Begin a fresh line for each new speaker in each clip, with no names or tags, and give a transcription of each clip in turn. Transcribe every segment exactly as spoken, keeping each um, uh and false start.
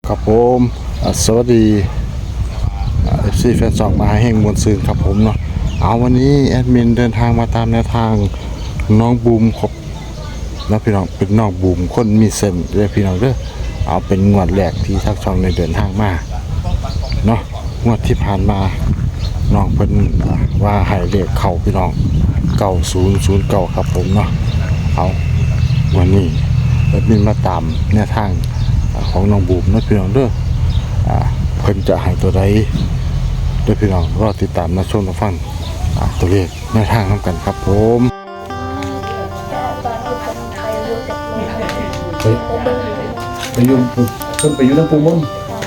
ครับผมอ่าสวัสดีเอฟซีแฟนสองมาให้แห่งมวลซืนครับผมเนาะเอาวันนี้แอดมินเดินทางมาตามแนวทางน้องบูมครบนะพี่น้องเป็นน้องบูมคนมีเซนเด้อพี่น้องเด้อเอาเป็นงวดแรกที่ทักช่องในเดินทางมาเนาะงวดที่ผ่านมาน้องเพิ่นอ่าว่าให้เลขเข้าพี่น้องเก้าศูนย์ศูนย์เก้าครับผมเนาะเอาวันนี้แอดมินมาตามแนวทางของน้องบูมนะพี่น้องเด้ออ่าเพิ่นจะให้ตัวใดเด้อพี่น้องรอติดตามนะชมนะฟังอ่าตัวเลขแนวทางนำกันครับผม
ไปไปยุ่งเพิ่นไปอยู่น้ำปูมุ่น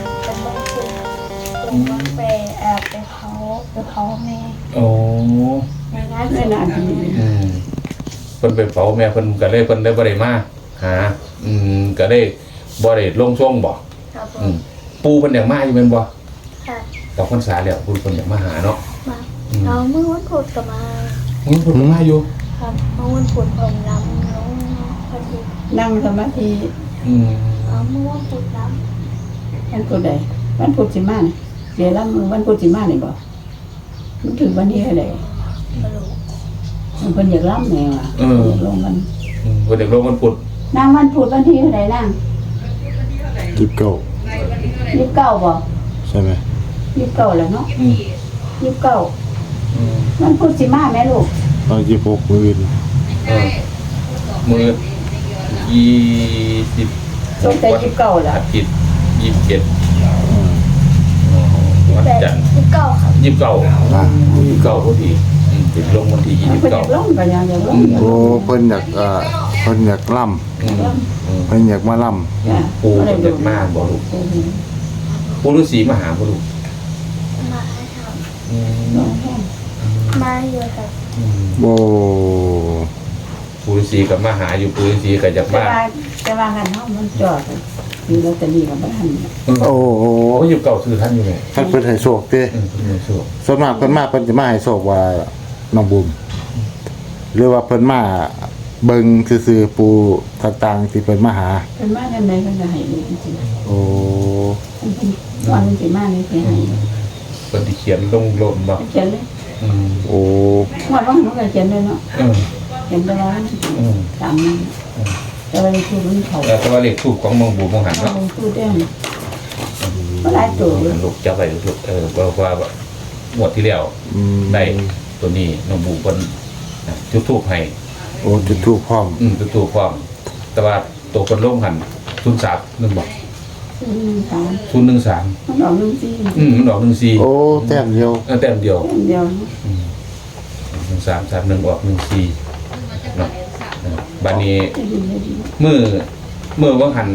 ไปแอบไปเขาไปเขาแม่
โอ้
ในงานไม่นานที
อืมเพิ่นไปเผาแม่เพิ่นก็เลยเพิ่นได้บ่ได้มาหาอืมก็ได้บ่ได้ลงช่วงบ่
ครับผ
อื
ม
มปูเพิ่นอยากมาอยู่แม่นบ่
ค่ะ
ดอกพรรษาแล้วปูเพิ่นอยากมาหาเนาะ
มาเราเมื่อวันพุธก็มา
อืมเพิ่นก็มาอยู่
ครับเมื่อวันพุธผมรำน้องพอดี
นั่งสมาธิ
อืม
เอาเมื่อวันพุธร
วันพุธใดวันพุธสิมาเนี่ยเดี๋ยวรับมือวันพุธสิมาเนี่ยบอกมันถึงวันที่อะไร
ำกระดูก
มันเป็นอยากรับแนวอ่ะอยากลงมัน
อืมเพิ่นอยากลงวันพุธ
นั่งวันพุธวันที่อะไรนั่ง
ยิบเก้า
ยี่สิบเก้าบอก
ใช่ไหม
ยี่สิบเก้าแล้วเนาะ
อืม
ยี่สิบเก้า
อืม
วันพุธสิมาแม่ลูก
ตอนยี่สิบหกมื้ออื่น
เออมื้อยี่สิบ
จงใจยี่สิบเก้าแล้
อาว ทิตย์ยี่สิบเจ็ด
อ่า
อ๋อวัน
แต่
จันทร์
ที่เก้าครับ
ยี่สิบเก้ายี่สิบเก้าพอดีอืมติดลงวันที่ยี่สิบ
เพิ่นอ
เก้า
ยากลงก็ยังอยากลง
โอ้เพิ่นอยากอ่าเพิ่นอยากล่ำ
อืมอืม
เพิ่นอยากมาล่
จ้ะ
ปูมันจะมากบ่ลูกปูฤาษีมาหาบ่ลูก
มาให้ท
อืม
ลงแห้ง
ำมาอยู่ครับ
อืม
ำโอ้
ปูฤาษีกับมาหาอยู่ปูฤาษีก็อยาก
แต่
มา
ว่าแต่ว่ากันเนาะมันจอดอยู่ลอตเตอรี่กับบ้าน
อืม
โอ้โห
โอ้ยอยู่เก่าซื้อท่านอยู่ไง
ท่านเพิ่นให้โชคเด้
อืมเพิ่นมีโชค
ส่วนมากเพิ่นมาเพิ่นจะมาให้โชคว่าน้องบูมหรือว่าเพิ่นมาเบิ่งซื่อๆปูต่างๆที่เพิ่นมาหา
เป็นมาจังไดเพิ่นก็ให้ลูกจริง
โอ้
ๆมันเป็นตอนมันสิมานี่สิให้
เพิ่นที่เขียนลงโลนบ่
เขียนเลย
อืม
โอ้
งวดว่ามันก็เขียนเลยเนาะ
เออ
เขียนไปแล้ว
อืม
ตามนั้นแต่ว่าคือมันเขา
แล้วก็ว่าเลขทูปของมองบูมองหัน
เขา
เนาะ
พูดได้ก็หลายตัวเลย
ลูกจับไว้ลูกเออว่าว่าแบบงวดที่แล้ว
อืม
ได้ตัวนี้น้องบูเพิ่นน่ะจุดทูปให้
โอ้จุดทูปพร้อม
อืมตัวตัวความแต่ว่าตัวคนลงหันศูนย์สามหนึ่งบอก
หนึ่งสาม
ศูนย์หนึ่งสาม
มันออกหนึ่งสี่
อืมมันออกหนึ่งสี่
โอ้แต้มเดียว
เออแต้มเดียว
เดียว
หนึ่งสามสามหนึ่งออกหนึ่งสี่เนาะเออบัดนี้
จะดีจะดี
มือมือว่างหัน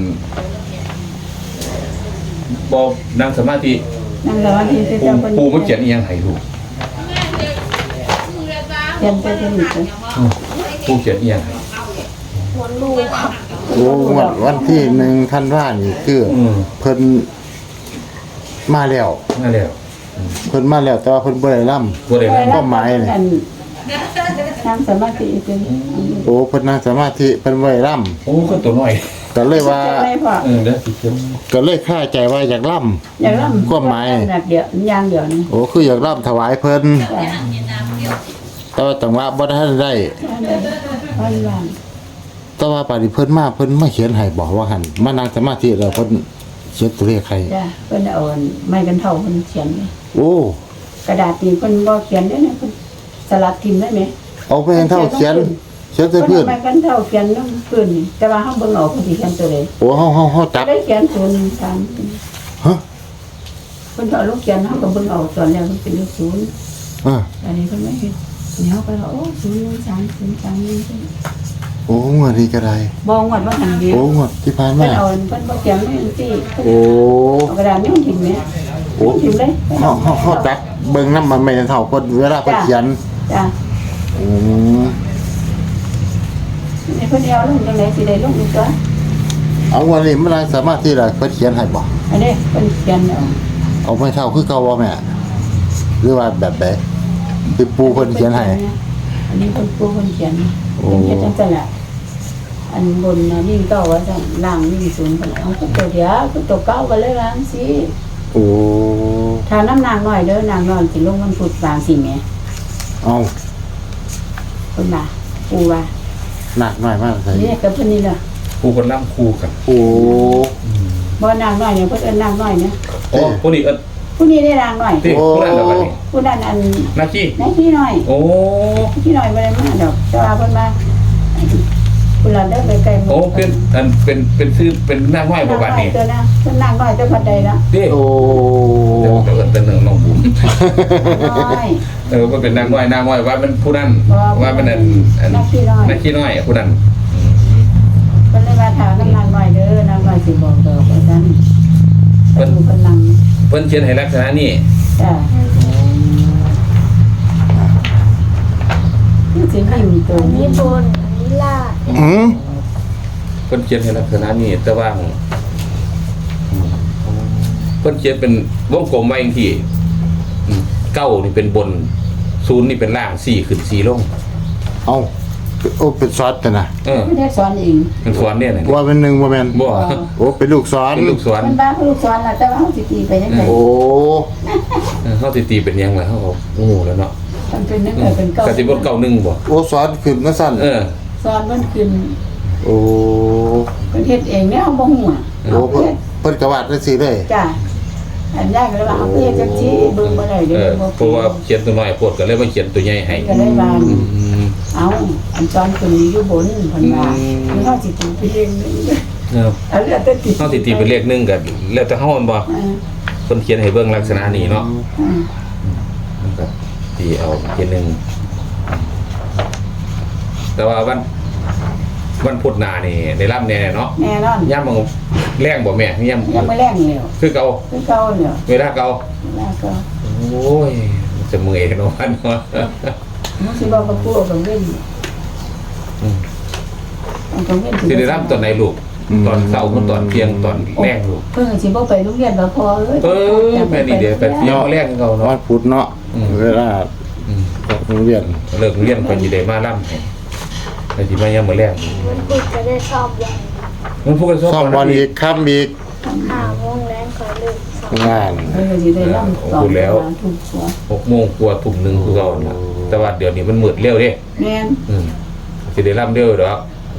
บอนั่งสมาธิ
นั่งสมาธิจะ
ปู
จำเป็น
ปูมันเขียนอีหยังให้ลูก
เขียนไปจะดีเลย
อืมปูเขียนอีหยังให้
หมดลูกครับ
โอ้วันวันที่หนึ่งท่านว่านี่คือ
อืม
เพิ่นมาแล้ว
นั่นแล้ว
เพิ่นมาแล้วแต่ว่าเพิ่นบ่ได้ล่
ตัวใดนั่น
ก็หมายเลย
นั่งสมาธิจะ
ำโอ้เพิ่นนั่งสมาธิเพิ่นบ่ได้ล่
โอ้คนตัวน้อย
ำก็เลยว่า
ไม่พอ
เออเด้อสิเขียน
ก็เลยคาใจว่าอยากล่
อย่างนั้นแบบเดียวอย่างเดียวนี่
ำโอ้คืออยากล่ำถวายเพิ่นแต่ว่าจังหวะบ่ทันได้
วันวัน
แต่ว่าปานนี้เพิ่นมาเพิ่นมาเขียนให้บอกว่าหั่นมานั่งสมาธิแล้วเพิ่นเขียนตัวเลขให้
จ้ะเพิ่นเอาไม้กันเท่าเพิ่นเขียน
โอ้
กระดาษนี่เพิ่นบ่เขียนได้นะเพิ่นสลัดทิ่มได้ไหม
เอาไปให้เท่าเขียนเขียนใส่
เพิ่
พื้
น
น
ไม้กันเท่าเขียนน้ำพื้นนี่แต่ว่าเฮาเบิ่งออกเพิ่นสิเขียนตัวใด
โอ้เฮาเฮาเฮาจับ
ได้เขียนศูนย์สาม
ฮะ
เพิ่นเอาลูกเขียนเฮาก็เบิ่งออกตอนแรกมันเป็นเลขศูนย์
อ่า
อันนี้เพิ่นไม่เห็นนี่เฮาก็โอ้ศูนย์หนึ่งสามศูนย์สามนี่
โอ้งวดนี้ก็ได้
บ่งวดว่าหันเดียว
โอ้งวดที่ผ่าน
เพิ่
มาน
เอาเพิ่นบ่เขียนไม่จังซี่
โอ้
เอากระดาษนี่มันทิ่มแม่
โอ้
ทิ่มเลย
เฮาเฮาเฮาจับเบิ่งนำมันไม่เท่าเพิ่นเวลาเพิ่นเขียน
จ้ะ
อืม
นี่เพิ่นเอาลงจังได๋สิได้ลงอีกตัว
เอาวันนี้มันสามารถที่จะเพิ่นเขียนให้บ่
อันนี้เพิ่นเขียนเอา
เอาไม่เท่าคือเก่าบ่แม่หรือว่าแบบใดที่ปูเพิ่นเขียนให้
อันนี้เพิ่นปูเพิ่นเขียน
โอ้
เพิ่นเขียนจังซั่นล่ะอันบนน่ะวิ่งเก้าว่าซั่นล่างวิ่งศูนย์พุ่นเอาก็ตัวเดียวก็ตัวเก้าก็เลยว่าจังซี่
โอ้
ถ้าน้ำนางน้อยเด้อนางน้อยสิลงวันพุธบางสิแหม่
เอา
เพิ่นว่าปูว่า
หนักหน่อยมากเลย
นี่กับเพิ่นนี่ล่ะ
คู่คนล่ำคู่กัน
โอ้
บ่นางน้อยเนี่ยเพิ่นเอิ้นนางน้อยเนี่ย
โอ้ผู้นี้เอิ้น
ผู้นี้ได้นางน้อย
ที่ผู้นั้นแล้วกันนี่
ผู้นั้นอัน
นาคี
นายพี่น้อย
โอ้
พี่น้อยบ่ได้มาดอกแต่ว่าเพิ่นมาเพิ่นละเด้อไปไกลหมู่
โอ้เป็นอันเป็นเป็นชื่อเป็นหน้าห้อยบ่บาดนี่
เพิ่นนางน้อยตัวนะเพิ่นนางน้อยแต่พัดใดละ
เด้
โอ้
เดี๋ยวเดี๋ยวเอิ้นเป็นน้องบุ๋ม
น้อย
เออว่าเป็นนางน้อยนางน้อยว่าเป็นผู้นั้น
บ่
ว่าเป็นอันอัน
นักขี้น้อย
นักขี้น้อยผู้นั้น
เพิ่นเลยว่าถามน้ำนางน้อยเด้อนางน้อยสิบอกดอกว่าซั่นเพิ่นเพิ่นนั่ง
เพิ่นเขียนให้ลักษณะนี้
จ้ะนี่สิวิ่งตัว
อัน
นี้
นี้บนอันนี้ล่าง
อืม
เพิ่นเขียนให้ลักษณะนี้แต่ว่าเพิ่นเขียนเป็นวงกลมไว้อย่างที่อืมเก้านี่เป็นบนศูนย์นี่เป็นล่างสี่ขึ้นสี่ลง
เอาโอ้เป็นซอสแต่นะ
เออ
ไม่ได้สอนเอง
เป็นสวนเนี่ยนะ
ว่าเป็นหนึ่งว่าแมน
บ่
โอ้เป็นลูกซ้อน
เป็นลูกสวน
มันบ้าลูกสอนล่ะแต่ว่าเฮาสิตีไปจังได๋
โอ้
เออเขาสิตีเป็นหยังล่ะเขาก็โอ้โหแล้วเนาะ
มันเป็นนึกเออเป็นเก่าก
สิบ่เก้าหนึ่งบ่
โอ้ซ้อนขึ้นมาสั้น
เออ
สอนมันขึ้น
โอ้
เพิ่นเฮ็ดเองเนี่ยเฮาบ่ฮู้อ่ะ
โอ้
เฮา
เพิ่น
เฮ็ด
เพิ่นกระวาดได้สิเลย
จ้ะอันแรกเลยว่าเฮาเฮ็ดจังซี่เบิ่งบ่ได้
เอ
เด้
อ
อบ่
เพราะว่าเขียนตัวน้อยโพดก็เลยมาเขียนตัวใหญ่ให้
ก็เลยว่า
อืม
เอาอันสอนขึ้นอยู่บนเพิ่นว่า
อืม
มันเฮาสิตีไปเองนึง
เออ
อันแล้วแต่ติ
เขาสิตีเป็นเลขหนึ่งก็แล้วแต่เฮามันบ่
เออ
เพิ่นเขียนให้เบิ่งลักษณะนี้เนาะ
เออ
มันก็ตีเอาเขียนหนึ่งแต่ว่าวันวันพุธหน้านี่ได้รับแน่เนาะ
แน่นอน
ย่ำมันแรงบ่แม่ย่ำ
ยังบ่แรงแล้ว
คือเก่า
คือเก่าแล้ว
เวลาเก่า
แล้วก็
โอ้ยมันจะเมื่อยกันเนาะเนาะ
มันสิบอกกับปู่กับเว้น
อืม
มันก็เว้น
สิได้รับตอนไหนลูกตอนเช้ากับตอนเที่ยงตอนแรงลูก
เพิ่นสิบ่ไปโรงเรียนบ่พอเอ้ย
เออแม่นี่เดี๋ยวไปเที่ยวแรกเขา
วั
เนาะ
นพุธเนาะ
อืม
เวลา
อืม
โรงเรียน
เลิกเรียนก็สิได้มาล่ำให้ไปสิมายามมื้อแรก
มันพูดจะได้ชอบวัน
มันพูดกัน
ซ่อมบอลอีกข้ามอีก
ห้าโมงแรงเขาเลิกสอง
งาน
เพิ่นก็สิได้นำต่อทุกหัว
หกโมงกว่าทุ่มหนึงคือเก่าน่ะแต่ว่าเดี๋ยวนี้มันมืดเร็วเด้
แม่น
อืมสิได้ล่ำเร็วดอก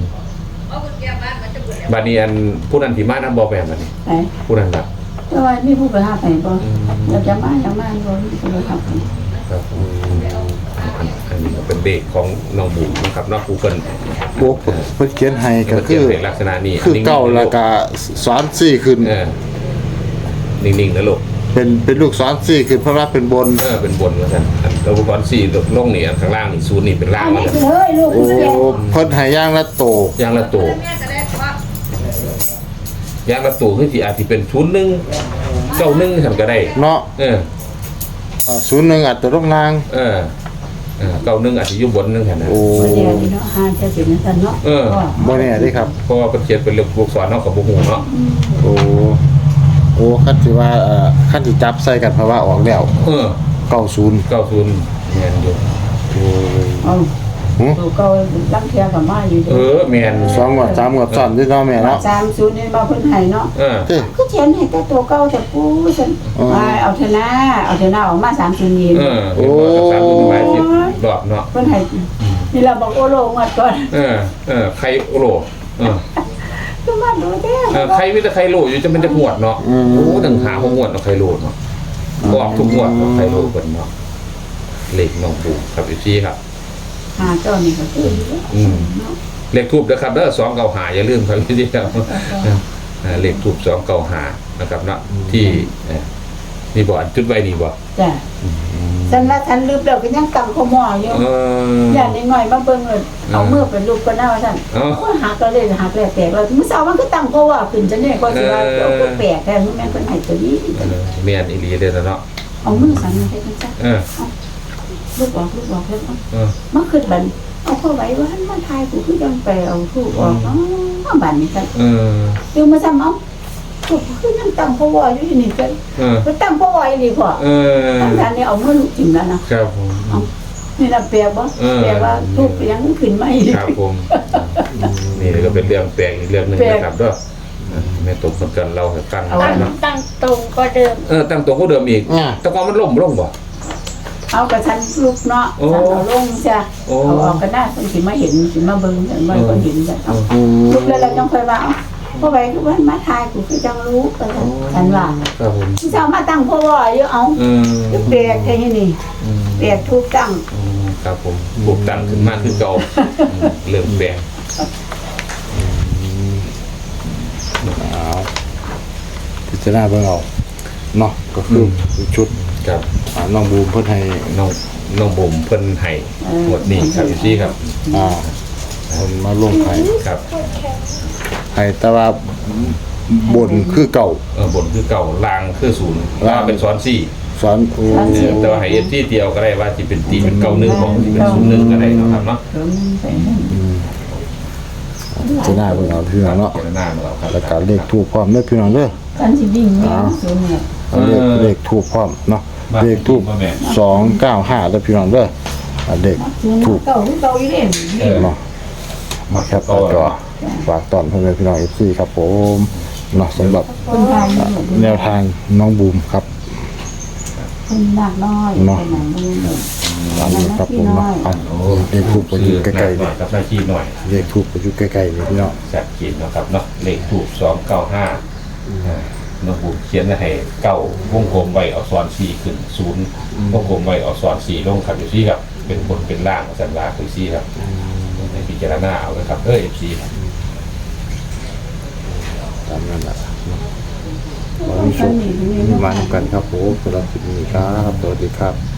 บัดนี้อันผู้นั้นที่มานำบ่แม่นบัดนี้
ไป
ผู้นั้นน่ะ
แต่ว่ามีผู้ไปหาไปบ่เราจะมาจะมาบ่มีผู้ไปหาไป
ครับอันอันนี้ก็เป็นเด็กของน้องบุ๋มนะครับเนาะครูเพิ่น
โอ้เพิ่นเขียนให้ก็
เขี
คื
ยน
อ
เป็นลักษณะนี้
คือเก่าแล้วก็สอนสี่ขึ้น
เออนิ่งๆนะลูก
เป็นเป็นลูกสอนสี่ขึ้นเพราะว่าเป็นบน
เออเป็นบนว่าซั่นอันแล้วอุปกรณ์สี่ลงนี่อันข้างล่างนี่ศูนย์นี่เป็นล่าง
อัน
ว่า
นี้
ซั่น
คือเฮ้ยลูก
โอ้
เสีย
เพิ่นให้ย่างละโต
ยางละตัวยางละตัวคือสิอาจสิเป็นศูนย์หนึ่งเก้าหนึ่งซั่นก็ได้
เนาะ
เออ
อ่าศูนย์หนึ่งอาจจะลงล่าง
เออเออเก้าหนึ่งอาจจะอยู่บนนึงซั่นนะ
โอ้
บ่ได้นี่เนาะหาจะเป็นซั่นเนาะ
บ่แน่เด้ครับ
เพราะว่าเพิ่นเขียนเป็นลูกศรเนาะกับบ่ฮู้เนาะ
โอ้โอ้คันสิว่าเอ่อคันสิจับใส่กันเพราะว่าออกแล้ว
เออ
เก้าศูนย์
เก้าศูนย์แม่นอยู่
โอ้ย
เอา
หึ
ลูกก็ลังเทียกับมาอยู่
เออแม่น
สองงวดสามงวดซ้อนที่เนาะแม่เนาะ
สามศูนย์นี่มาเพิ่นให้เนาะ
เออ
เด้
ก็เขียนให้แต่ตัวเก่าแต่ปูฉันเอาเถอะนะเอาเถอะนะออกมาสามศูนย์ยิน
เออโอ้สามศูนย์หมายสิบรอบเนาะ
เพิ่นให้นี่เราบอกโอโลงวดก่อน
เออ เออใครโอโลเออ
ก็มาดูเด้
เออใครมีแต่ใครโลอยู่จะมันจะหวดเนาะ โอ้ตั้งหาหวดเนาะใครโลเนาะบอกทุกหวดเนาะใครโลเพิ่นเนาะเลขน้องปู่ครับอีซี่ครับ
หาเจ้านี่ก็คือ
อืมเลขทูบนะครับเด้อสองเก้าหาอย่าลืมครับอีซี่ครับเออเลขทูบสองเก้าหานะครับเนาะที่เอ่อนี่บ่อันจุดไว้นี่บ่
จ้ะฉันละฉันลืมแล้วก็ยังตั้งขโมยอยู่
เออ
ย่านน้อยๆมาเบิ่งเลยเอามือเป็นรูปก็น่าว่าซั่น
เอ้า
ก็หักก็เลยหักแล้วแตกแล้วมื้อเช้ามันก็ตั้งเพราะว่าขึ้นจังได๋ก็สิว่าเอาก็แปลกแท้มันแม่นเพิ่นให้ตัวนี้
เออแม่นอีหลีเด้อเนาะ
เอามือสั่นมาให้จังซั่น
เออ
ลูกออกลูกออกแล้วเอา
เออ
มาขึ้นบันเอาเข้าไว้ว่ามันทายกูคือจังไปเอาทูกออกเนาะบันนี่ซั่น
เออ
ดูมาซ้ำเอากูคือยังตั้งเพราะว่าอยู่นี่ซั่น
เออ
ไปตั้งเพราะว่าอีหลีพ่อ
เออ
ตั้งแต่นี้เอามือลูกจิ้มแล้วนะครับ
ผม
เอานี่น่ะแปลกบ่
เออ
แปลว่าทุกข์ยังขึ้นมาอีก
ครับผมนี่ก็เป็นเรื่องแปลกอีกเรื่องหนึงนะครับเด้อแม่ตกเหมือนกันเราให้ฟัง
ตั้ง
เนาะ
ตั้งตรงก็เดิม
เออตั้งตัวก็เดิมอีกแต่ก่อนมันล่มล่มบ่
เอากระชั้นลูกเนาะ
โอ้
ฉันเอาลงจ้ะ
โอ้
เอาออกก็ได้คนสิมาเห็นสิมาเบิ่งกันว่าคนเห็นจ้ะเอา
อืม
ลูกแล้วเราจังค่อยว่าเอาพ่อไว้คือว่ามาทายกูคือจังรู้กันฉันว่า
ครับผม
ที่เจ้ามาตั้งพ่อว่าอยู่เอา
เออ
คือแปลกแค่นี้นี่
อืม
แปลกทุกตั้ง
อืมครับผมปลูกตั้งขึ้นมาคือเก่าอืมเริ่มแปลก
เอาพิจารณาเบิ่งเอาเนาะก็คือชุด
ครับ
อ่าน้องบูมเพิ่นให้
น้องน้องบ่มเพิ่นให้หมดนี่ครับอยู่ซี่ครับ
อ่าเพิ่นมาลงให้
ครับ
ให้แต่ว่าบนคือเก่า
เออบนคือเก่าลางคือศูนย์ลางเป็นซ้อนสี่
สอนโอ้
เออแต่ว่าให้เอฟซีเดียวก็ได้ว่าที่เป็นตีเป็นเก่าหนึ่งของที่เป็นศูนย์หนึ่งก็ได้เนาะครับเนาะ
เดี๋ยวมันไปให้
พิจารณาเบิ่งเอาพี่น้องเนาะ
เจรหน้ามาแล้วครับ
แล้วก็เลขถูกพร้อมเด้อพี่น้องเด้อ
กันสิวิ่งแม่ศูนย์เนี่ย
เอาเลขเลขถูกพร้อมเนาะเลขถูกสองเก้าห้าเด้อพี่น้องเด้ออ่าเลข
ศูนย์
ถูก
เก่าคือเก่าอยู่เด้
เออ
เนาะมาแคปหน้าจอฝากตอนพ่อแม่พี่น้อง เอฟ ซี ครับผมเนาะสำหรับ
คนไทยนี่
แนวทางน้องบูมครับ
คนหนักน้อย
เนาะ
คนหนักมือหนึ่ง
ตามนี้ครับผมเนาะเอาเลขถูกไปอยู่ใกล้ๆ
หน่
นี่
อยกับหน้าที่หน่อย
เลขถูกไปอยู่ใกล้ๆนี่พี่น้อง
แสบขีดเนาะครับเนาะเลขถูกสองเก้าห้าน้องบุเขียนให้เก้าวงกลมไว้เอาซ้อนสี่ขึ้นศูนย์วงกลมไว้เอาซ้อนสี่ลงครับอยู่ซี่ครับเป็นบนเป็นล่างสันลาคือซี่ครับในพิจารณาเอาเลยครับเออเอฟซีครับ
ตามนั้นแหละขอให้โชคมีมานำกันครับผมสำหรับคลิปนี้ครับสวัสดีครับ